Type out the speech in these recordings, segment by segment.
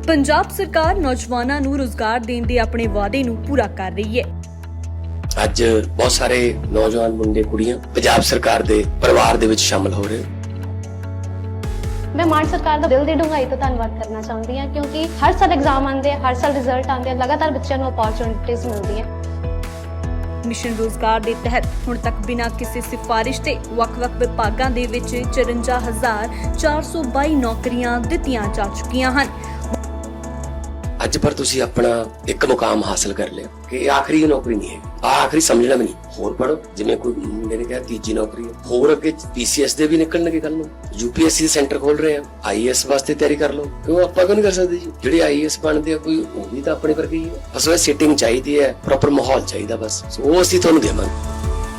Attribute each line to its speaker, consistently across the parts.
Speaker 1: पंजाब सरकार नौजवानों ਨੂੰ ਰੋਜ਼ਗਾਰ ਦੇਣ ਦੇ ਆਪਣੇ ਵਾਅਦੇ ਨੂੰ ਪੂਰਾ ਕਰ ਰਹੀ ਹੈ।
Speaker 2: ਅੱਜ ਬਹੁਤ ਸਾਰੇ ਨੌਜਵਾਨ ਮੁੰਡੇ ਕੁੜੀਆਂ ਪੰਜਾਬ ਸਰਕਾਰ ਦੇ ਪਰਿਵਾਰ ਦੇ ਵਿੱਚ ਸ਼ਾਮਲ ਹੋ ਰਹੇ।
Speaker 3: मैं मान सरकार का दिल की डूंघाई तो धन्यवाद करना चाहती हूँ क्योंकि हर साल एग्जाम आते हैं, हर साल रिजल्ट आते हैं, लगातार बच्चों को अपॉर्चुनिटीज मिलती हैं।
Speaker 1: ਮਿਸ਼ਨ ਰੋਜ਼ਗਾਰ ਦੇ ਤਹਿਤ ਹੁਣ ਤੱਕ ਬਿਨਾਂ ਕਿਸੇ ਸਿਫਾਰਿਸ਼ ਤੇ ਵੱਖ-ਵੱਖ ਵਿਭਾਗਾਂ ਦੇ ਵਿੱਚ 54,422 ਨੌਕਰੀਆਂ ਦਿੱਤੀਆਂ ਜਾ ਚੁੱਕੀਆਂ ਹਨ।
Speaker 2: ਅੱਜ ਪਰ ਤੁਸੀਂ ਆਪਣਾ ਇੱਕ ਮੁਕਾਮ ਹਾਸਲ ਕਰ ਲਿਆ ਕਿ ਇਹ ਆਖਰੀ ਨੌਕਰੀ ਨਹੀਂ ਹੈ, ਆਖਰੀ ਸਮਝਣਾ ਵੀ ਨਹੀਂ। ਹੋਰ ਪੜੋ, ਜਿਵੇਂ ਕੋਈ ਮੁੰਡੇ ਨੇ ਕਿਹਾ ਤੀਜੀ ਨੌਕਰੀ ਹੈ, ਹੋਰ ਅੱਗੇ ਪੀਸੀਐਸ ਦੇ ਵੀ ਨਿਕਲਣਗੇ ਕੱਲ ਨੂੰ, ਯੂਪੀਐਸਸੀ ਦੇ ਸੈਂਟਰ ਖੋਲ ਰਹੇ ਆ, ਆਈਏਐਸ ਵਾਸਤੇ ਤਿਆਰੀ ਕਰ ਲਓ। ਕਿਉਂ ਆਪਾਂ ਕਿਉਂ ਨਹੀਂ ਕਰ ਸਕਦੇ ਜੀ? ਜਿਹੜੇ ਆਈਏਐਸ ਬਣਦੇ ਆ ਕੋਈ ਉਹ ਵੀ ਤਾਂ ਆਪਣੇ ਵਰਗੇ ਹੀ ਹੈ। ਬਸ ਉਹ ਸਿਟਿੰਗ ਚਾਹੀਦੀ ਹੈ, ਪ੍ਰੋਪਰ ਮਾਹੌਲ ਚਾਹੀਦਾ, ਬਸ ਉਹ ਅਸੀਂ ਤੁਹਾਨੂੰ ਦੇਵਾਂਗੇ।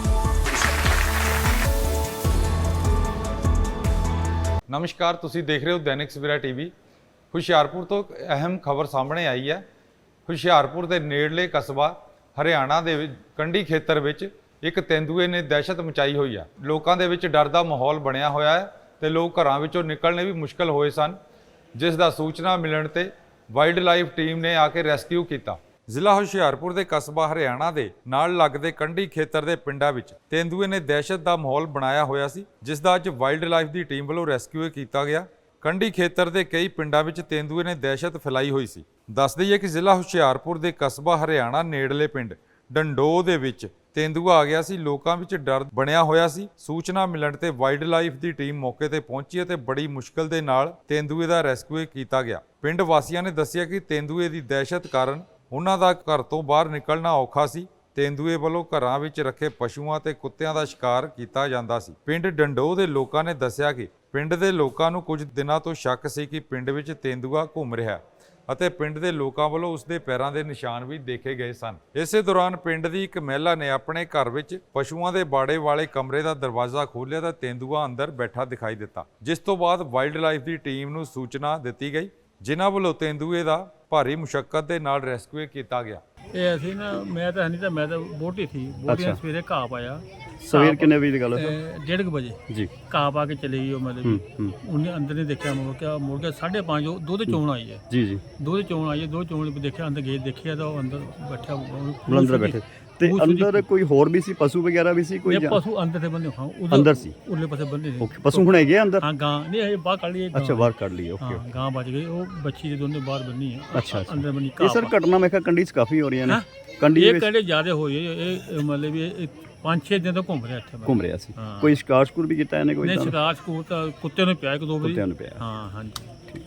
Speaker 4: ਨਮਸਕਾਰ, ਤੁਸੀਂ ਦੇਖ ਰਹੇ ਹੋ ਦੈਨਿਕ ਸਵੇਰਾ ਟੀਵੀ। ਹੁਸ਼ਿਆਰਪੁਰ ਤੋਂ ਅਹਿਮ ਖਬਰ ਸਾਹਮਣੇ ਆਈ ਹੈ। ਹੁਸ਼ਿਆਰਪੁਰ ਦੇ ਨੇੜਲੇ ਕਸਬਾ ਹਰਿਆਣਾ ਦੇ ਕੰਢੀ ਖੇਤਰ ਵਿੱਚ ਇੱਕ ਤੇਂਦੂਏ ਨੇ ਦਹਿਸ਼ਤ ਮਚਾਈ ਹੋਈ ਹੈ। ਲੋਕਾਂ ਦੇ ਵਿੱਚ ਡਰ ਦਾ ਮਾਹੌਲ ਬਣਿਆ ਹੋਇਆ ਹੈ ਤੇ ਲੋਕ ਘਰਾਂ ਵਿੱਚੋਂ ਨਿਕਲਣੇ ਵੀ ਮੁਸ਼ਕਲ ਹੋਏ ਸਨ, ਜਿਸ ਦਾ ਸੂਚਨਾ ਮਿਲਣ ਤੇ ਵਾਈਲਡ ਲਾਈਫ ਟੀਮ ਨੇ ਆ ਕੇ ਰੈਸਕਿਊ ਕੀਤਾ। ਜ਼ਿਲ੍ਹਾ ਹੁਸ਼ਿਆਰਪੁਰ ਦੇ ਕਸਬਾ ਹਰਿਆਣਾ ਦੇ ਨਾਲ ਲੱਗਦੇ ਕੰਢੀ ਖੇਤਰ ਦੇ ਪਿੰਡਾਂ ਵਿੱਚ ਤੇਂਦੂਏ ਨੇ ਦਹਿਸ਼ਤ ਦਾ ਮਾਹੌਲ ਬਣਾਇਆ ਹੋਇਆ ਸੀ, ਜਿਸ ਦਾ ਅੱਜ ਵਾਈਲਡ ਲਾਈਫ ਦੀ ਟੀਮ ਵੱਲੋਂ ਰੈਸਕਿਊ ਕੀਤਾ ਗਿਆ। ਕੰਢੀ ਖੇਤਰ ਦੇ ਕਈ ਪਿੰਡਾਂ ਵਿੱਚ ਤੇਂਦੂਏ ਨੇ ਦਹਿਸ਼ਤ ਫੈਲਾਈ ਹੋਈ ਸੀ। ਦੱਸ ਦਈਏ ਕਿ ਜ਼ਿਲ੍ਹਾ ਹੁਸ਼ਿਆਰਪੁਰ ਦੇ ਕਸਬਾ ਹਰਿਆਣਾ ਨੇੜਲੇ ਪਿੰਡ ਡੰਡੋ ਦੇ ਵਿੱਚ ਤੇਂਦੂਆ ਆ ਗਿਆ ਸੀ। ਲੋਕਾਂ ਵਿੱਚ ਡਰ ਬਣਿਆ ਹੋਇਆ ਸੀ। ਸੂਚਨਾ ਮਿਲਣ ਤੇ ਵਾਈਲਡ ਲਾਈਫ ਦੀ ਟੀਮ ਮੌਕੇ ਤੇ ਪਹੁੰਚੀ ਅਤੇ ਬੜੀ ਮੁਸ਼ਕਲ ਦੇ ਨਾਲ ਤੇਂਦੂਏ ਦਾ ਰੈਸਕਿਊ ਕੀਤਾ ਗਿਆ। ਪਿੰਡ ਵਾਸੀਆਂ ਨੇ ਦੱਸਿਆ ਕਿ ਤੇਂਦੂਏ ਦੀ ਦਹਿਸ਼ਤ ਕਾਰਨ ਉਹਨਾਂ ਦਾ ਘਰ ਤੋਂ ਬਾਹਰ ਨਿਕਲਣਾ ਔਖਾ ਸੀ। ਤੇਂਦੂਏ ਵੱਲੋਂ ਘਰਾਂ ਵਿੱਚ ਰੱਖੇ ਪਸ਼ੂਆਂ ਤੇ ਕੁੱਤਿਆਂ ਦਾ ਸ਼ਿਕਾਰ ਕੀਤਾ ਜਾਂਦਾ ਸੀ। ਪਿੰਡ ਡੰਡੋ ਦੇ ਲੋਕਾਂ ਨੇ ਦੱਸਿਆ ਕਿ ਪਿੰਡ ਦੇ ਲੋਕਾਂ ਨੂੰ ਕੁਝ ਦਿਨਾਂ ਤੋਂ ਸ਼ੱਕ ਸੀ ਕਿ ਪਿੰਡ ਵਿੱਚ ਤੇਂਦੂਆ ਘੁੰਮ ਰਿਹਾ ਹੈ ਅਤੇ ਪਿੰਡ ਦੇ ਲੋਕਾਂ ਵੱਲੋਂ ਉਸ ਦੇ ਪੈਰਾਂ ਦੇ ਨਿਸ਼ਾਨ ਵੀ ਦੇਖੇ ਗਏ ਸਨ। ਇਸੇ ਦੌਰਾਨ ਪਿੰਡ ਦੀ ਇੱਕ ਮਹਿਲਾ ਨੇ ਆਪਣੇ ਘਰ ਵਿੱਚ ਪਸ਼ੂਆਂ ਦੇ ਬਾੜੇ ਵਾਲੇ ਕਮਰੇ ਦਾ ਦਰਵਾਜ਼ਾ ਖੋਲ੍ਹਿਆ ਤਾਂ ਤੇਂਦੂਆ ਅੰਦਰ ਬੈਠਾ ਦਿਖਾਈ ਦਿੱਤਾ, ਜਿਸ ਤੋਂ ਬਾਅਦ ਵਾਈਲਡ ਲਾਈਫ ਦੀ ਟੀਮ ਨੂੰ ਸੂਚਨਾ ਦਿੱਤੀ ਗਈ, ਜਿਨ੍ਹਾਂ ਵੱਲੋਂ ਤੇਂਦੂਏ ਦਾ ਭਾਰੀ ਮੁਸ਼ੱਕਤ ਦੇ ਨਾਲ ਰੈਸਕਿਊ ਕੀਤਾ ਗਿਆ।
Speaker 5: ਇਹ ਅਸੀਂ ਨਾ ਮੈਂ ਤਾਂ ਬੋਟੀ ਸੀ, ਬੋਟੀਆਂ ਸਵੇਰੇ ਘਾਹ ਪਾਇਆ।
Speaker 6: ਸਵੇਰ ਕਿੰਨੇ ਵਜੇ ਦੀ ਗੱਲ ਹੈ?
Speaker 5: 1:30 ਵਜੇ
Speaker 6: ਜੀ
Speaker 5: ਘਾਹ ਪਾ ਕੇ ਚਲੇ ਗਈ ਉਹ, ਮਤਲਬ ਉਹਨੇ ਅੰਦਰ ਨਹੀਂ ਦੇਖਿਆ। ਮੁੜ ਕੇ 5:30 ਦੁੱਧ ਚੋਣ ਆਈ ਹੈ।
Speaker 6: ਜੀ ਜੀ
Speaker 5: ਦੁੱਧ ਚੋਣ ਆਈ ਹੈ। ਦੁੱਧ ਚੋਣ ਦੇਖਿਆ, ਅੰਦਰ ਗਏ ਦੇਖਿਆ ਤਾਂ ਉਹ ਅੰਦਰ ਬੈਠਾ
Speaker 6: ਅੰਦਰ ਬੈਠੇ ਤੇ ਅੰਦਰ ਕੋਈ ਹੋਰ ਵੀ ਸੀ, ਪਸ਼ੂ ਵਗੈਰਾ ਵੀ ਸੀ? ਕੋਈ
Speaker 5: ਪਸ਼ੂ ਅੰਦਰ ਤੇ ਬੰਦੇ
Speaker 6: ਅੰਦਰ ਸੀ,
Speaker 5: ਉਰਲੇ ਪਾਸੇ ਬੰਦੇ ਸੀ।
Speaker 6: ਓਕੇ, ਪਸ਼ੂ ਹੁਣ ਹੈਗੇ ਅੰਦਰ?
Speaker 5: ਹਾਂ, ਗਾਂ ਨਹੀਂ ਇਹ ਬਾਹਰ ਕੱਢ ਲਈ।
Speaker 6: ਅੱਛਾ, ਬਾਹਰ ਕੱਢ ਲਈ, ਓਕੇ।
Speaker 5: ਗਾਂ ਬਚ ਗਈ, ਉਹ ਬੱਚੀ ਦੇ ਦੋਨੇ ਬਾਹਰ ਬੰਨੀ ਹੈ।
Speaker 6: ਅੱਛਾ,
Speaker 5: ਅੰਦਰ ਬੰਨੀ।
Speaker 6: ਇਹ ਸਰ ਘਟਨਾ ਮੈਂ ਕਿਹਾ ਕੰਢੀ 'ਚ ਕਾਫੀ ਹੋ ਰਹੀਆਂ ਨੇ। ਕੰਢੀ
Speaker 5: ਇਹ ਕਹਿੰਦੇ ਜ਼ਿਆਦਾ ਹੋਈ ਹੈ। ਇਹ ਮਤਲਬ ਇਹ 5-6 ਦਿਨ ਤੋਂ ਘੁੰਮ ਰਿਹਾ ਇੱਥੇ।
Speaker 6: ਘੁੰਮ ਰਿਹਾ ਸੀ। ਕੋਈ ਸ਼ਿਕਾਰ ਸ਼ਕੂਰ ਵੀ ਕੀਤਾ ਇਹਨੇ? ਕੋਈ
Speaker 5: ਨਹੀਂ, ਸ਼ਿਕਾਰ ਸ਼ਕੂਰ ਤਾਂ ਕੁੱਤੇ ਨੂੰ ਪਿਆ, 1-2 ਵਾਰੀ
Speaker 6: ਕੁੱਤਿਆਂ ਨੂੰ ਪਿਆ।
Speaker 5: ਹਾਂ, ਹਾਂਜੀ।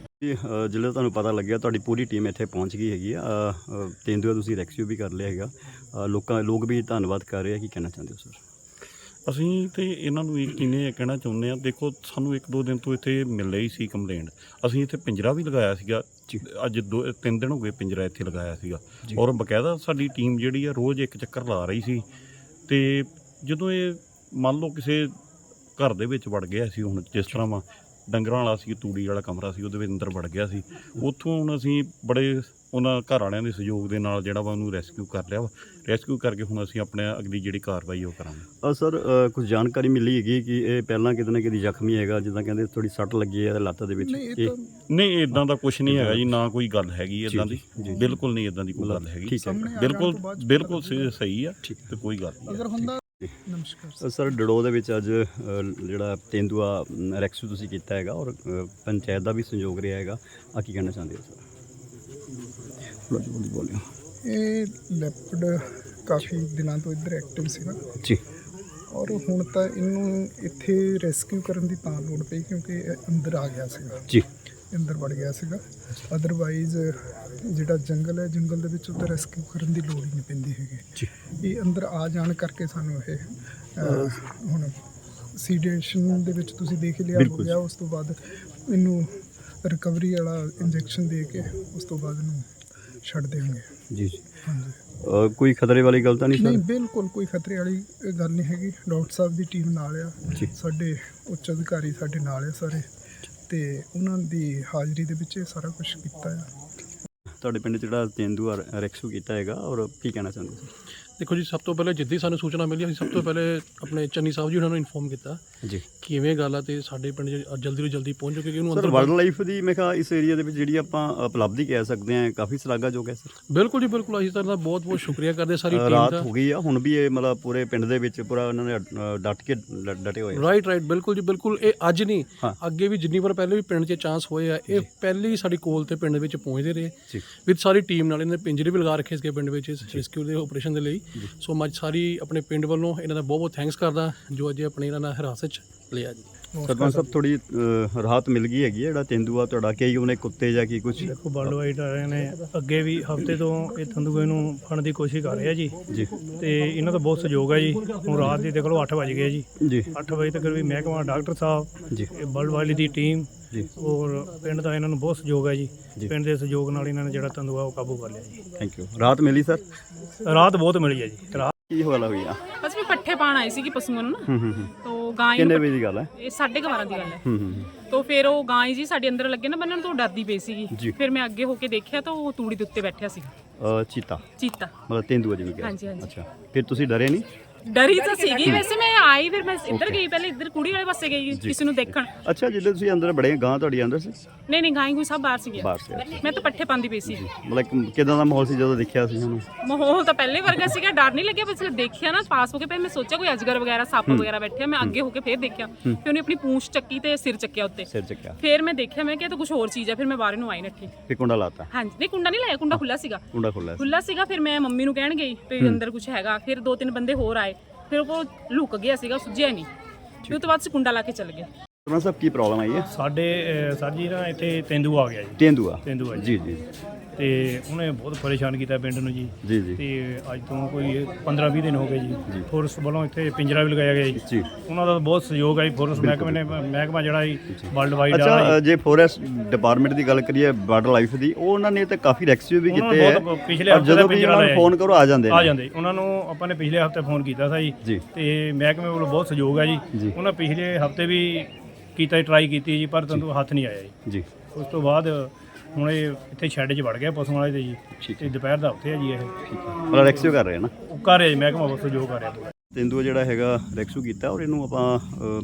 Speaker 6: ਜਦੋਂ ਤੁਹਾਨੂੰ ਪਤਾ ਲੱਗਿਆ ਤੁਹਾਡੀ ਪੂਰੀ ਟੀਮ ਇੱਥੇ ਪਹੁੰਚ ਗਈ ਹੈਗੀ ਆ, ਤੇਂਦੂਆ ਤੁਸੀਂ ਰੈਸਕਿਊ ਵੀ ਕਰ ਲਿਆ ਹੈਗਾ, ਲੋਕ ਵੀ ਧੰਨਵਾਦ ਕਰ ਰਹੇ ਆ, ਕੀ ਕਹਿਣਾ ਚਾਹੁੰਦੇ ਹੋ ਸਰ?
Speaker 7: ਅਸੀਂ ਤੇ ਇਹਨਾਂ ਨੂੰ ਇਹ ਕਹਿਣਾ ਚਾਹੁੰਦੇ ਹਾਂ, ਦੇਖੋ ਸਾਨੂੰ 1-2 ਦਿਨ ਤੋਂ ਇੱਥੇ ਮਿਲ ਰਹੀ ਸੀ ਕੰਪਲੇਂਟ। ਅਸੀਂ ਇੱਥੇ ਪਿੰਜਰਾ ਵੀ ਲਗਾਇਆ ਸੀਗਾ, ਅੱਜ 2-3 ਦਿਨ ਹੋ ਗਏ ਪਿੰਜਰਾ ਇੱਥੇ ਲਗਾਇਆ ਸੀਗਾ, ਔਰ ਬਕਾਇਦਾ ਸਾਡੀ ਟੀਮ ਜਿਹੜੀ ਆ ਰੋਜ਼ ਇੱਕ ਚੱਕਰ ਲਾ ਰਹੀ ਸੀ। ਤੇ ਜਦੋਂ ਇਹ ਮੰਨ ਲਓ ਕਿਸੇ ਘਰ ਦੇ ਵਿੱਚ ਵੜ ਗਿਆ ਸੀ, ਹੁਣ ਜਿਸ ਤਰ੍ਹਾਂ ਵਾ ਡੰਗਰਾਂ ਵਾਲਾ ਸੀ, ਤੂੜੀ ਵਾਲਾ ਕਮਰਾ ਸੀ, ਉਹਦੇ ਵਿੱਚ ਅੰਦਰ ਵੜ ਗਿਆ ਸੀ। ਉੱਥੋਂ ਹੁਣ ਅਸੀਂ ਬੜੇ ਉਹਨਾਂ ਘਰ ਵਾਲਿਆਂ ਦੇ ਸਹਿਯੋਗ ਦੇ ਨਾਲ ਜਿਹੜਾ ਵਾ ਉਹਨੂੰ ਰੈਸਕਿਊ ਕਰ ਲਿਆ ਵਾ। ਰੈਸਕਿਊ ਕਰਕੇ ਹੁਣ ਅਸੀਂ ਆਪਣੇ ਅਗਲੀ ਜਿਹੜੀ ਕਾਰਵਾਈ ਉਹ ਕਰਾਂਗੇ।
Speaker 6: ਸਰ ਕੁਝ ਜਾਣਕਾਰੀ ਮਿਲੀ ਹੈਗੀ ਕਿ ਇਹ ਪਹਿਲਾਂ ਕਿਤੇ ਨਾ ਕਿਤੇ ਜ਼ਖਮੀ ਹੈਗਾ, ਜਿੱਦਾਂ ਕਹਿੰਦੇ ਥੋੜੀ ਸੱਟ ਲੱਗੀ ਹੈ ਲੱਤ ਦੇ ਵਿੱਚ?
Speaker 7: ਨਹੀਂ, ਇਦਾਂ ਦਾ ਕੁਝ ਨਹੀਂ ਹੈਗਾ ਜੀ, ਨਾ ਕੋਈ ਗੱਲ ਹੈਗੀ ਇਦਾਂ ਦੀ, ਬਿਲਕੁਲ ਨਹੀਂ ਇਦਾਂ ਦੀ ਕੋਈ ਗੱਲ ਹੈਗੀ। ਬਿਲਕੁਲ ਸਹੀ ਆ ਤੇ ਕੋਈ ਗੱਲ ਨਹੀਂ।
Speaker 6: ਨਮਸਕਾਰ ਸਰ, ਡੜੋ ਦੇ ਵਿੱਚ ਅੱਜ ਜਿਹੜਾ ਤੇਂਦੂਆ ਰੈਸਕਿਊ ਤੁਸੀਂ ਕੀਤਾ ਹੈਗਾ ਔਰ ਪੰਚਾਇਤ ਦਾ ਵੀ ਸਹਿਯੋਗ ਰਿਹਾ ਹੈਗਾ, ਆ ਕੀ ਕਹਿਣਾ ਚਾਹੁੰਦੇ ਹੋ ਸਰ? ਬੋਲਿਓ।
Speaker 8: ਇਹ ਲੈਪਰਡ ਕਾਫੀ ਦਿਨਾਂ ਤੋਂ ਇੱਧਰ ਐਕਟਿਵ ਸੀਗਾ
Speaker 6: ਜੀ,
Speaker 8: ਔਰ ਹੁਣ ਤਾਂ ਇਹਨੂੰ ਇੱਥੇ ਰੈਸਕਿਊ ਕਰਨ ਦੀ ਤਾਂ ਲੋੜ ਪਈ ਕਿਉਂਕਿ ਇਹ ਅੰਦਰ ਆ ਗਿਆ ਸੀਗਾ
Speaker 6: ਜੀ,
Speaker 8: ਅੰਦਰ ਵੜ ਗਿਆ ਸੀਗਾ। ਅਦਰਵਾਈਜ਼ ਜਿਹੜਾ ਜੰਗਲ ਹੈ, ਜੰਗਲ ਦੇ ਵਿੱਚ ਉਹਦਾ ਰੈਸਕਿਊ ਕਰਨ ਦੀ ਲੋੜ ਹੀ ਨਹੀਂ ਪੈਂਦੀ ਹੈਗੀ ਜੀ। ਇਹ ਅੰਦਰ ਆ ਜਾਣ ਕਰਕੇ ਸਾਨੂੰ ਇਹ ਹੁਣ ਸੀਡੇਸ਼ਨ ਦੇ ਵਿੱਚ ਤੁਸੀਂ ਦੇਖ ਲਿਆ ਹੋ ਗਿਆ। ਉਸ ਤੋਂ ਬਾਅਦ ਇਹਨੂੰ ਰਿਕਵਰੀ ਵਾਲਾ ਇੰਜੈਕਸ਼ਨ ਦੇ ਕੇ ਉਸ ਤੋਂ ਬਾਅਦ ਇਹਨੂੰ ਛੱਡ ਦੇਣਗੇ ਜੀ। ਹਾਂਜੀ, ਕੋਈ ਖਤਰੇ ਵਾਲੀ ਗੱਲ ਤਾਂ ਨਹੀਂ ਸਰ? ਨਹੀਂ, ਬਿਲਕੁਲ ਕੋਈ ਖਤਰੇ ਵਾਲੀ ਗੱਲ ਨਹੀਂ ਹੈਗੀ। ਡਾਕਟਰ ਸਾਹਿਬ ਦੀ ਟੀਮ ਨਾਲ ਆ, ਸਾਡੇ ਉੱਚ ਅਧਿਕਾਰੀ ਸਾਡੇ ਨਾਲ ਆ ਸਾਰੇ, ਤੇ ਉਹਨਾਂ ਦੀ ਹਾਜ਼ਰੀ ਦੇ ਵਿੱਚ ਇਹ ਸਾਰਾ ਕੁਝ ਕੀਤਾ ਆ।
Speaker 6: ਤੁਹਾਡੇ ਪਿੰਡ 'ਚ ਜਿਹੜਾ ਤੇਂਦੂਆ ਰੈਸਕਿਊ ਕੀਤਾ ਹੈਗਾ ਔਰ ਕੀ ਕਹਿਣਾ ਚਾਹੁੰਦੇ ਸੀ?
Speaker 5: ਦੇਖੋ ਜੀ, ਸਭ ਤੋਂ ਪਹਿਲੇ ਜਿੱਦੀ ਸਾਨੂੰ ਸੂਚਨਾ ਮਿਲੀ ਅਸੀਂ ਸਭ ਤੋਂ ਪਹਿਲੇ ਆਪਣੇ ਚੰਨੀ ਸਾਹਿਬ ਜੀ ਉਹਨਾਂ ਨੂੰ ਇਨਫੋਰਮ ਕੀਤਾ
Speaker 6: ਜੀ
Speaker 5: ਕਿ ਇਵੇਂ ਗੱਲ ਆ ਤੇ ਸਾਡੇ ਪਿੰਡ 'ਚ ਜਲਦੀ ਤੋਂ ਜਲਦੀ ਪਹੁੰਚੋ, ਕਿਉਂਕਿ ਉਹਨੂੰ
Speaker 6: ਸਰ
Speaker 5: ਅੰਦਰ
Speaker 6: ਵਾਈਲਡ ਲਾਈਫ ਦੀ ਮੈਂ ਕਿਹਾ ਇਸ ਏਰੀਆ ਦੇ ਵਿੱਚ ਜਿਹੜੀ ਆਪਾਂ ਉਪਲਬਧੀ ਕਹਿ ਸਕਦੇ ਹਾਂ ਕਾਫੀ ਸ਼ਲਾਘਾਯੋਗ ਹੈ ਸਰ।
Speaker 5: ਬਿਲਕੁਲ ਜੀ ਬਿਲਕੁਲ, ਅਸੀਂ ਤਾਂ ਬਹੁਤ ਬਹੁਤ ਸ਼ੁਕਰੀਆ ਕਰਦੇ ਸਾਰੀ ਟੀਮ
Speaker 6: ਰਾਤ
Speaker 5: ਦਾ।
Speaker 6: ਹੋ ਗਈ ਆ ਹੁਣ ਵੀ ਇਹ ਮਤਲਬ ਪੂਰੇ ਪਿੰਡ ਦੇ ਵਿੱਚ ਪੂਰਾ ਉਹਨਾਂ ਨੇ ਡਟੇ ਹੋਏ ਆ।
Speaker 5: ਰਾਈਟ ਬਿਲਕੁਲ ਜੀ ਬਿਲਕੁਲ, ਇਹ ਅੱਜ ਨਹੀਂ
Speaker 6: ਹਾਂ।
Speaker 5: ਅੱਗੇ ਵੀ ਜਿੰਨੀ ਵਾਰ ਪਹਿਲੇ ਵੀ ਪਿੰਡ 'ਚ ਚਾਂਸ ਹੋਏ ਆ, ਇਹ ਪਹਿਲੀ ਸਾਡੀ ਕੋਲ ਤੇ ਪਿੰਡ ਵਿੱਚ ਪਹੁੰਚਦੇ ਰਹੇ
Speaker 6: ਜੀ
Speaker 5: ਵਿਦ ਸਾਰੀ ਟੀਮ ਨਾਲ। ਇਹਨਾਂ ਨੇ ਪਿੰਜਰੇ ਵੀ ਲਗਾ ਰੱਖੇ ਸੀਗੇ ਪਿੰਡ ਵਿੱਚ ਰੈਸਕਿਊ ਦੇ ਆਪਰੇਸ਼ਨ ਦੇ ਲਈ। ਸੋ ਮੈਂ ਸਾਰੀ ਆਪਣੇ ਪਿੰਡ ਵੱਲੋਂ ਇਹਨਾਂ ਦਾ ਬਹੁਤ ਬਹੁਤ ਥੈਂਕਸ ਕਰਦਾ ਜੋ ਅੱਜ ਆਪਣੇ ਇਹਨਾਂ ਨਾਲ ਹਿਰਾਸਤ 'ਚ ਲਿਆ ਜੀ।
Speaker 6: ਸਰਪੰਚ ਸਾਹਿਬ ਥੋੜੀ ਰਾਹਤ ਮਿਲ ਗਈ ਹੈਗੀ ਹੈ ਜਿਹੜਾ ਤੇਂਦੂਆ ਤੁਹਾਡਾ ਕਈ ਉਹਨੇ ਕੁੱਤੇ ਜਾਂ ਕੀ ਕੁਝ
Speaker 9: ਦੇਖੋ ਵਰਲਡ ਵਾਈਡ ਆ ਰਹੇ ਨੇ, ਅੱਗੇ ਵੀ ਹਫਤੇ ਤੋਂ ਇਹ ਤੇਂਦੂਏ ਨੂੰ ਫੜਨ ਦੀ ਕੋਸ਼ਿਸ਼ ਕਰ ਰਹੇ ਆ ਜੀ
Speaker 6: ਜੀ
Speaker 9: ਤੇ ਇਹਨਾਂ ਦਾ ਬਹੁਤ ਸਹਿਯੋਗ ਹੈ ਜੀ। ਹੁਣ ਰਾਤ ਦੇ ਦੇਖ ਲਓ 8 ਵਜ ਗਏ ਜੀ,
Speaker 6: ਜੀ
Speaker 9: 8 ਵਜੇ ਤੱਕ ਵੀ ਮਹਿਕਮਾ ਡਾਕਟਰ ਸਾਹਿਬ
Speaker 6: ਜੀ
Speaker 9: ਇਹ ਵਰਲਡ ਵਾਈਡ ਦੀ ਟੀਮ
Speaker 6: ਜੀ
Speaker 9: ਔਰ ਪਿੰਡ ਦਾ ਇਹਨਾਂ ਨੂੰ ਬਹੁਤ ਸਹਿਯੋਗ ਹੈ ਜੀ।
Speaker 6: ਜੀ।
Speaker 9: ਪਿੰਡ ਦੇ ਸਹਿਯੋਗ ਨਾਲ ਇਹਨਾਂ ਨੇ ਜਿਹੜਾ ਤੇਂਦੂਆ ਉਹ ਕਾਬੂ ਕਰ ਲਿਆ ਜੀ।
Speaker 6: Thank you. ਰਾਤ ਮਿਲੀ ਸਰ?
Speaker 9: ਰਾਤ ਬਹੁਤ ਮਿਲੀ ਹੈ ਜੀ। ਰਾਤ
Speaker 6: ਕੀ ਹੋਇਆ ਹੋਈ ਆ?
Speaker 10: ਬਸ ਵੀ ਪੱਠੇ ਪਾਣ ਆਈ ਸੀਗੀ ਪਸ਼ੂਆਂ ਨੂੰ ਨਾ, ਤੋ ਗਾਂ
Speaker 6: ਕਿੰਨੇ ਵਜੇ ਦੀ ਗੱਲ ਹੈ?
Speaker 10: ਇਹ 11:30 ਦੀ ਗੱਲ ਹੈ। ਤੋ ਫਿਰ ਉਹ ਗਾਂ ਹੀ ਜੀ ਸਾਡੇ ਅੰਦਰ ਲੱਗੇ ਨਾ ਬੰਨਣ ਤੋਂ ਡਰਦੀ ਪਈ ਸੀਗੀ। ਫਿਰ ਮੈਂ ਅੱਗੇ ਹੋ ਕੇ ਦੇਖਿਆ ਤਾਂ ਉਹ ਤੂੜੀ ਦੇ ਉੱਤੇ ਬੈਠਿਆ ਸੀ
Speaker 6: ਚੀਤਾ
Speaker 10: ਚੀਤਾ,
Speaker 6: ਮਤਲਬ ਤੇਂਦੂਆ ਜਿਵੇਂ ਕਿਹਾ।
Speaker 10: ਹਾਂਜੀ ਹਾਂਜੀ।
Speaker 6: ਅੱਛਾ ਫਿਰ ਤੁਸੀਂ ਡਰੇ ਨਹੀਂ?
Speaker 10: ਡਰੀ ਤਾਂ ਸੀਗੀ ਵੈਸੇ, ਮੈਂ ਆਈ ਫਿਰ ਮੈਂ ਇੱਧਰ ਗਈ, ਪਹਿਲੇ ਇੱਧਰ ਕੁੜੀ ਵਾਲੇ ਪਾਸੇ ਗਈ ਕਿਸੇ ਨੂੰ ਦੇਖਣ।
Speaker 6: ਅੱਛਾ ਜਦੋਂ ਤੁਸੀਂ ਅੰਦਰ ਬੜੇ ਗਾਂ ਤੁਹਾਡੀ ਅੰਦਰ ਸੀ?
Speaker 10: ਨਹੀਂ ਗਾਂ ਕੋਈ ਸਭ ਬਾਹਰ ਸੀਗੀ।
Speaker 6: ਬਾਹਰ ਸੀ, ਅੱਛਾ।
Speaker 10: ਮੈਂ ਤਾਂ ਪੱਠੇ ਪਾਉਂਦੀ ਪਈ ਸੀ।
Speaker 6: ਮਤਲਬ ਕਿਦਾਂ ਦਾ ਮਾਹੌਲ ਸੀ ਜਦੋਂ ਦੇਖਿਆ ਸੀ ਉਹਨੂੰ?
Speaker 10: ਮਾਹੌਲ ਤਾਂ ਪਹਿਲੇ ਵਰਗਾ ਸੀਗਾ, ਡਰ ਨਹੀਂ ਲੱਗਿਆ। ਬਸ ਦੇਖਿਆ ਨਾ ਪਾਸ ਹੋ ਕੇ, ਫਿਰ ਮੈਂ ਸੋਚਿਆ ਕੋਈ ਅਜਗਰ ਵਗੈਰਾ ਸੱਪ ਵਗੈਰਾ ਬੈਠਿਆ। ਮੈਂ ਅੱਗੇ ਹੋ ਕੇ ਫਿਰ ਦੇਖਿਆ, ਫਿਰ ਉਹਨੇ ਆਪਣੀ ਪੂੰਛ ਚੱਕੀ ਤੇ ਸਿਰ ਚੱਕਿਆ ਉੱਤੇ।
Speaker 6: ਸਿਰ ਚੱਕਿਆ।
Speaker 10: ਫਿਰ ਮੈਂ ਦੇਖਿਆ, ਮੈਂ ਕਿਹਾ ਤਾਂ ਕੁਝ ਹੋਰ ਚੀਜ਼ ਹੈ। ਫਿਰ ਮੈਂ ਬਾਹਰ ਨੂੰ ਆਈ ਨੱਠੀ।
Speaker 6: ਫਿਰ ਕੁੰਡਾ ਲਾਤਾ?
Speaker 10: ਹਾਂਜੀ, ਨਹੀਂ ਕੁੰਡਾ ਨਹੀਂ ਲਾਇਆ, ਕੁੰਡਾ ਖੁੱਲਾ ਸੀਗਾ।
Speaker 6: ਕੁੰਡਾ ਖੁੱਲਾ
Speaker 10: ਖੁੱਲਾ ਸੀਗਾ। ਫਿਰ ਮੈਂ ਮੰਮੀ ਨੂੰ ਕਹਿਣ ਗਈ ਵੀ ਅੰਦਰ ਕੁਝ ਹੈਗਾ। ਫਿਰ 2-3 ਬੰਦੇ ਹੋਰ ਆਏ, ਫਿਰ ਉਹ ਲੁਕ ਗਿਆ ਸੀਗਾ, ਸੁੱਜਿਆ ਨਹੀਂ। ਫਿਰ ਉਹ ਤੋਂ ਬਾਅਦ ਕੁੰਡਾ ਲਾ ਕੇ ਚੱਲ ਗਏ।
Speaker 6: ਸਰਪੰਚ ਸਾਹਿਬ ਕੀ ਪ੍ਰੋਬਲਮ ਆਈ ਹੈ?
Speaker 9: ਸਾਡੇ ਸਰ ਜੀ ਨਾ ਇੱਥੇ ਤੇਂਦੂਆ ਆ ਗਿਆ ਜੀ।
Speaker 6: ਤੇਂਦੂਆ
Speaker 9: ਜੀ
Speaker 6: ਜੀ
Speaker 9: ਤੇ ਉਹਨੇ ਬਹੁਤ ਪਰੇਸ਼ਾਨ ਕੀਤਾ ਪਿੰਡ ਨੂੰ ਜੀ।
Speaker 6: ਜੀ ਜੀ
Speaker 9: ਤੇ ਅੱਜ ਤੋਂ ਕੋਈ 15-20 ਦਿਨ ਹੋ ਗਏ ਜੀ। ਫੋਰਸ ਵੱਲੋਂ ਇੱਥੇ ਪਿੰਜਰਾ ਵੀ ਲਗਾਇਆ ਗਿਆ ਜੀ। ਉਹਨਾਂ ਦਾ ਬਹੁਤ ਸਹਿਯੋਗ ਹੈ ਜੀ। ਫੋਰਸ ਮਹਿਕਮਾ ਜਿਹੜਾ ਜੀ ਵਰਲਡ ਵਾਈਡ ਆ।
Speaker 6: ਅੱਛਾ ਜੇ ਫੋਰੈਸਟ ਡਿਪਾਰਟਮੈਂਟ ਦੀ ਗੱਲ ਕਰੀਏ ਵਾਈਲਡ ਲਾਈਫ ਦੀ, ਉਹ ਉਹਨਾਂ ਨੇ ਤਾਂ ਕਾਫੀ ਰੈਸਕਿਊ ਵੀ ਕੀਤੇ ਹੈ।
Speaker 9: ਪਿਛਲੇ ਹਫਤੇ
Speaker 6: ਜਦੋਂ ਵੀ ਉਹਨਾਂ ਨੂੰ ਫੋਨ ਕਰੋ ਆ ਜਾਂਦੇ
Speaker 9: ਉਹਨਾਂ ਨੂੰ ਆਪਾਂ ਨੇ ਪਿਛਲੇ ਹਫਤੇ ਫੋਨ ਕੀਤਾ ਸੀ ਜੀ। ਤੇ ਮਹਿਕਮੇ ਵੱਲੋਂ ਬਹੁਤ ਸਹਿਯੋਗ ਹੈ ਜੀ। ਉਹਨਾਂ ਪਿਛਲੇ ਹਫਤੇ ਵੀ ਕੀਤਾ, ਟਰਾਈ ਕੀਤੀ ਜੀ, ਪਰ ਤੁਹਾਨੂੰ ਹੱਥ ਨਹੀਂ ਆਇਆ ਜੀ। ਉਸ ਤੋਂ ਬਾਅਦ ਹੁਣ ਇਹ ਇੱਥੇ ਸ਼ੈੱਡ 'ਚ ਵੜ ਗਿਆ ਪਸ਼ੂਆਂ ਵਾਲੇ ਦੇ ਜੀ। ਤੇ ਦੁਪਹਿਰ ਦਾ ਉੱਥੇ ਹੈ ਜੀ। ਇਹ
Speaker 6: ਮਤਲਬ ਰੈਸਕਿਊ ਕਰ ਰਹੇ ਨਾ?
Speaker 9: ਉਹ ਕਰ ਰਿਹਾ ਜੀ, ਮਹਿਕਮਾ ਬਹੁਤ ਸਹਿਯੋਗ ਕਰ ਰਿਹਾ।
Speaker 6: ਤੇਂਦੂਆ ਜਿਹੜਾ ਹੈਗਾ ਰੈਸਕਿਊ ਕੀਤਾ, ਔਰ ਇਹਨੂੰ ਆਪਾਂ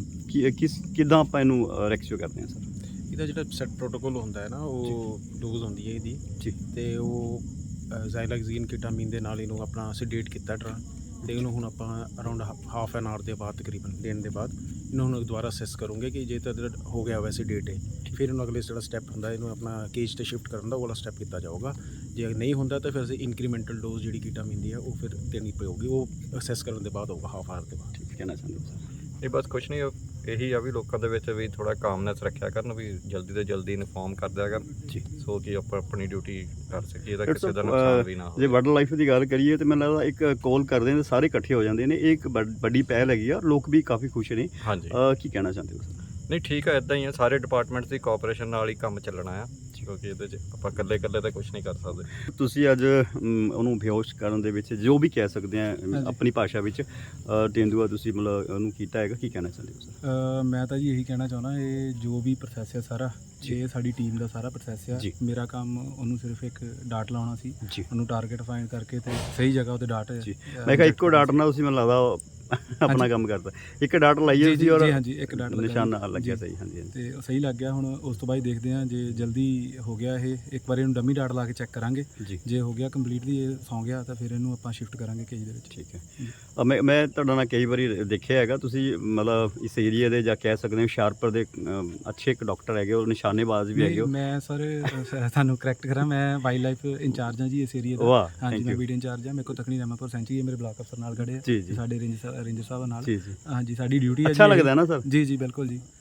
Speaker 6: ਕਿੱਦਾਂ ਆਪਾਂ ਇਹਨੂੰ ਰੈਸਕਿਊ ਕਰਦੇ ਹਾਂ ਸਰ?
Speaker 11: ਇਹਦਾ ਜਿਹੜਾ ਸੈਟ ਪ੍ਰੋਟੋਕੋਲ ਹੁੰਦਾ ਹੈ ਨਾ, ਉਹ ਡੋਜ਼ ਹੁੰਦੀ ਹੈ ਇਹਦੀ
Speaker 6: ਜੀ।
Speaker 11: ਤੇ ਉਹ ਜ਼ਾਈਲੈਕਸੀਨ ਕੀਟਾਮੀਨ ਦੇ ਨਾਲ ਇਹਨੂੰ ਆਪਣਾ ਸੈਡੇਟ ਕੀਤਾ ਡਰਾ। ਤੇ ਇਹਨੂੰ ਹੁਣ ਆਪਾਂ ਅਰਾਊਂਡ ਹਾਫ ਐਨ ਆਵਰ ਦੇ ਬਾਅਦ ਤਕਰੀਬਨ ਦੇਣ ਦੇ ਬਾਅਦ ਇਹਨੂੰ ਹੁਣ ਦੁਬਾਰਾ ਅਸੈਸ ਕਰੂੰਗੇ ਕਿ ਜੇ ਤਾਂ ਹੋ ਗਿਆ ਵੈਸੇ ਡੇਟ ਹੈ, ਫਿਰ ਇਹਨੂੰ ਅਗਲੇ ਜਿਹੜਾ ਸਟੈਪ ਹੁੰਦਾ ਇਹਨੂੰ ਆਪਣਾ ਕੇਜ ਤੇ ਸ਼ਿਫਟ ਕਰਨ ਦਾ ਉਹ ਵਾਲਾ ਸਟੈਪ ਕੀਤਾ ਜਾਊਗਾ। ਜੇ ਨਹੀਂ ਹੁੰਦਾ ਤਾਂ ਫਿਰ ਅਸੀਂ ਇਨਕਰੀਮੈਂਟਲ ਡੋਜ਼ ਜਿਹੜੀ ਕੀਟਾਮੀਨ ਦੀ ਹੈ ਉਹ ਫਿਰ ਦੇਣੀ ਪਊਗੀ। ਉਹ ਅਸੈਸ ਕਰਨ ਦੇ ਬਾਅਦ ਹੋਊਗਾ, ਹਾਫ ਆਵਰ ਦੇ ਬਾਅਦ।
Speaker 6: ਠੀਕ ਕਹਿਣਾ ਚਾਹੁੰਦੇ ਹੋ ਸਰ?
Speaker 12: ਇਹ ਬਸ ਕੁਛ ਨਹੀਂ, ਇਹੀ ਆ ਵੀ ਲੋਕਾਂ ਦੇ ਵਿੱਚ ਵੀ ਥੋੜਾ ਕਾਮਨੈਸ ਰੱਖਿਆ ਕਰਨ, ਵੀ ਜਲਦੀ ਤੋਂ ਜਲਦੀ ਇਨਫੋਰਮ ਕਰ ਦਿਆ ਕਰਨ
Speaker 6: ਜੀ,
Speaker 12: ਸੋ ਕਿ ਆਪਾਂ ਆਪਣੀ ਡਿਊਟੀ ਕਰ ਸਕੀਏ, ਤਾਂ ਕਿਸੇ ਦਾ ਨੁਕਸਾਨ ਵੀ ਨਾ ਹੋਵੇ।
Speaker 6: ਜੇ ਵਾਈਲਡ ਲਾਈਫ ਦੀ ਗੱਲ ਕਰੀਏ ਤੇ ਮੈਨੂੰ ਲੱਗਦਾ ਇੱਕ ਕਾਲ ਕਰਦੇ ਨੇ ਸਾਰੇ ਇਕੱਠੇ ਹੋ ਜਾਂਦੇ ਨੇ। ਇਹ ਇੱਕ ਵੱਡੀ ਪਹਿਲ ਹੈਗੀ ਆ, ਲੋਕ ਵੀ ਕਾਫੀ ਖੁਸ਼ ਨੇ।
Speaker 12: ਹਾਂਜੀ
Speaker 6: ਕੀ ਕਹਿਣਾ ਚਾਹੁੰਦੇ ਹੋ ਸਰ?
Speaker 12: ਨਹੀਂ ਠੀਕ ਆ, ਇਦਾਂ ਹੀ ਆ, ਸਾਰੇ ਡਿਪਾਰਟਮੈਂਟਸ ਦੀ ਕੋਆਪਰੇਸ਼ਨ ਨਾਲ ਹੀ ਕੰਮ ਚੱਲਣਾ ਆ, ਕਿਉਂਕਿ ਇਹਦੇ 'ਚ ਆਪਾਂ ਇਕੱਲੇ ਤਾਂ ਕੁਝ ਨਹੀਂ ਕਰ ਸਕਦੇ।
Speaker 6: ਤੁਸੀਂ ਅੱਜ ਉਹਨੂੰ ਬੇਹੋਸ਼ ਕਰਨ ਦੇ ਵਿੱਚ ਜੋ ਵੀ ਕਹਿ ਸਕਦੇ ਆ ਆਪਣੀ ਭਾਸ਼ਾ ਵਿੱਚ ਤੇਂਦੂਆ ਤੁਸੀਂ ਮਤਲਬ ਉਹਨੂੰ ਕੀਤਾ ਹੈਗਾ, ਕੀ ਕਹਿਣਾ ਚਾਹੁੰਦੇ ਹੋ ਸਰ?
Speaker 13: ਮੈਂ ਤਾਂ ਜੀ ਇਹੀ ਕਹਿਣਾ ਚਾਹੁੰਦਾ, ਇਹ ਜੋ ਵੀ ਪ੍ਰੋਸੈਸ ਹੈ ਸਾਰਾ, ਇਹ ਸਾਡੀ ਟੀਮ ਦਾ ਸਾਰਾ ਪ੍ਰੋਸੈਸ ਆ। ਮੇਰਾ ਕੰਮ ਉਹਨੂੰ ਸਿਰਫ ਇੱਕ ਡਾਟ ਲਾਉਣਾ ਸੀ, ਉਹਨੂੰ ਟਾਰਗੇਟ ਫਾਈਂਡ ਕਰਕੇ ਤੇ ਸਹੀ ਜਗ੍ਹਾ ਉਹਦੇ ਡਾਟ।
Speaker 6: ਮੈਂ ਕਿਹਾ ਇੱਕੋ ਡਾਟ ਨਾਲ ਤੁਸੀਂ ਮੈਨੂੰ ਲੱਗਦਾ ਆਪਣਾ ਕੰਮ ਕਰਦਾ। ਇੱਕ ਡਾਟ ਲਾਈਏ ਸੀ ਔਰ
Speaker 13: ਹਾਂਜੀ ਇੱਕ ਡਾਟ
Speaker 6: ਨਿਸ਼ਾਨ ਨਾਲ ਲੱਗਿਆ ਸਹੀ। ਹਾਂਜੀ
Speaker 13: ਤੇ ਉਹ ਸਹੀ ਲੱਗ ਗਿਆ। ਹੁਣ ਉਸ ਤੋਂ ਬਾਅਦ ਦੇਖਦੇ ਹਾਂ ਜੇ ਜਲਦੀ ਹੋ ਗਿਆ ਇਹ, ਇੱਕ ਵਾਰ ਇਹਨੂੰ ਡੰਮੀ ਡਾਟ ਲਾ ਕੇ ਚੈੱਕ ਕਰਾਂਗੇ। ਜੇ ਹੋ ਗਿਆ ਕੰਪਲੀਟਲੀ ਇਹ ਸੌਂ ਗਿਆ ਤਾਂ ਫਿਰ ਇਹਨੂੰ ਆਪਾਂ ਸ਼ਿਫਟ ਕਰਾਂਗੇ ਕੇਜ ਦੇ ਵਿੱਚ।
Speaker 6: ਠੀਕ ਹੈ। ਮੈਂ ਤੁਹਾਡਾ ਨਾਲ ਕਈ ਵਾਰੀ ਦੇਖਿਆ ਹੈਗਾ, ਤੁਸੀਂ ਮਤਲਬ ਇਸ ਏਰੀਆ ਦੇ ਜਾਂ ਕਹਿ ਸਕਦੇ ਹੋ ਹੁਸ਼ਿਆਰਪੁਰ ਦੇ ਅੱਛੇ ਇੱਕ ਡਾਕਟਰ ਹੈਗੇ ਔਰ ਨਿਸ਼ਾਨੇਬਾਜ਼ ਵੀ ਹੈਗੇ।
Speaker 13: ਮੈਂ ਸਰ ਤੁਹਾਨੂੰ ਕਰੈਕਟ ਕਰਾਂ, ਮੈਂ ਵਾਈਲਡ ਲਾਈਫ ਇੰਚਾਰਜ ਹਾਂ ਜੀ ਇਸ ਏਰੀਆ ਦਾ। ਹਾਂਜੀ ਮੈਂ ਵੀਡੀਓ ਇੰਚਾਰਜ ਹਾਂ। ਮੇਰੇ ਕੋਲ ਤਕਨੀ ਰਹਿਮਤਪੁਰ ਸੈਂਚਰੀ ਹੈ, ਮੇਰੇ ਬਲਾਕ ਅਫਸਰ ਨਾਲ ਖੜੇ ਆ, ਸਾਡੇ ਰੇਂਜਰ ਸਾਹਿਬ ਨਾਲ। ਹਾਂਜੀ ਸਾਡੀ ਡਿਊਟੀ ਹੈ।
Speaker 6: ਅੱਛਾ ਲੱਗਦਾ ਨਾ ਸਰ?
Speaker 13: ਜੀ ਬਿਲਕੁਲ ਜੀ।